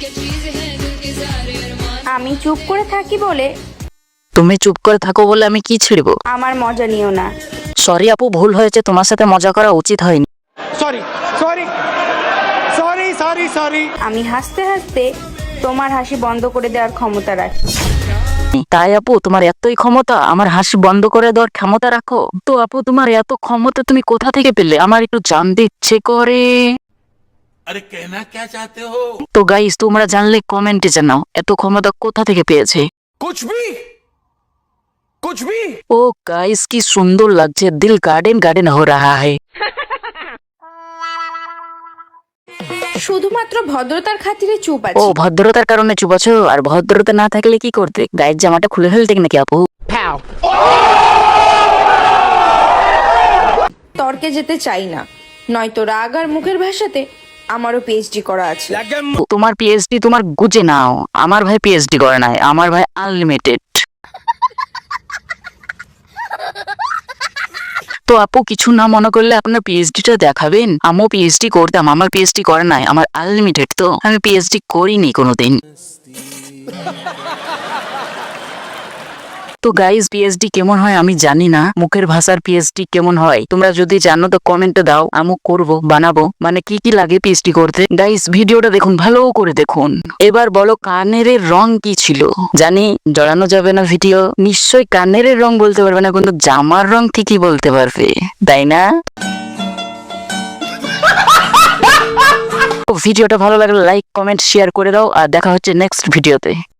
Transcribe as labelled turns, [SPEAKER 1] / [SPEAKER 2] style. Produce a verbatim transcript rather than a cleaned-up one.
[SPEAKER 1] আমি চুপ করে থাকি বলে
[SPEAKER 2] তুমি চুপ করে থাকো বলে আমি কি ছিড়বো?
[SPEAKER 1] আমার মজা নিও না।
[SPEAKER 2] সরি আপু, ভুল হয়েছে, তোমার সাথে মজা করা উচিত হয়নি।
[SPEAKER 3] Sorry sorry sorry sorry sorry
[SPEAKER 1] আমি হাসতে হাসতে তোমার হাসি বন্ধ করে দেওয়ার ক্ষমতা রাখি।
[SPEAKER 2] তাই আপু, তোমার এতই ক্ষমতা আমার হাসি বন্ধ করে দেওয়ার ক্ষমতা রাখো? তো আপু, তোমার এত ক্ষমতা তুমি কোথা থেকে পেলে? আমার একটু জানতে ইচ্ছে করে।
[SPEAKER 4] अरे कहना क्या चाहते हो?
[SPEAKER 2] তো গাইস, তোমরা জানলে কমেন্টে জানাও এত ক্ষমতা কোথা থেকে পেয়েছে।
[SPEAKER 4] कुछ भी कुछ भी
[SPEAKER 2] ও গাইস, কি সুন্দর লাগছে, দিল গার্ডেন গার্ডেন হো রাহা হ্যায়।
[SPEAKER 1] শুধুমাত্র ভদ্রতার খাতিরে চুপ
[SPEAKER 2] ও
[SPEAKER 1] আছি।
[SPEAKER 2] ভদ্রতার কারণে চুপ আছো? আর ভদ্রতা না থাকলে কি করতে? গায়ের জামাটা খুলে ফেলতে নাকি আপু?
[SPEAKER 1] তর্কে যেতে চাই না, নয়তো রাগ আর মুখের ভাষাতে আমারও পিএইচডি করা আছে।
[SPEAKER 2] তোমার পিএইচডি তোমার গুজে নাও, আমার ভাই পিএইচডি করে নাই, আমার ভাই আনলিমিটেড। তো আপু, কিছু না মনে করলে আপনার পিএইচডিটা দেখাবেন? আমিও পিএইচডি করতাম, আমার পিএইচডি করে নাই, আমার আনলিমিটেড, তো আমি পিএইচডি করিনি কোনোদিন। তো গাইজ, পিএইচডি কেমন হয় আমি জানি না, মুখের ভাষার পিএইচডি কেমন হয় তোমরা যদি জানো তো কমেন্টে দাও, আমি করব, বানাবো, মানে কি কি লাগে পিএইচডি করতে। গাইজ, ভিডিওটা দেখুন, ভালো করে দেখুন। এবার বলো, কানের রং কি ছিল? জানি জড়ানো যাবে না ভিডিও, নিশ্চয়ই কানের রং বলতে পারবে না, কিন্তু জামার রং ঠিকই বলতে পারবে, তাই না? ভিডিওটা ভালো লাগলে লাইক কমেন্ট শেয়ার করে দাও, আর দেখা হচ্ছে নেক্সট ভিডিওতে।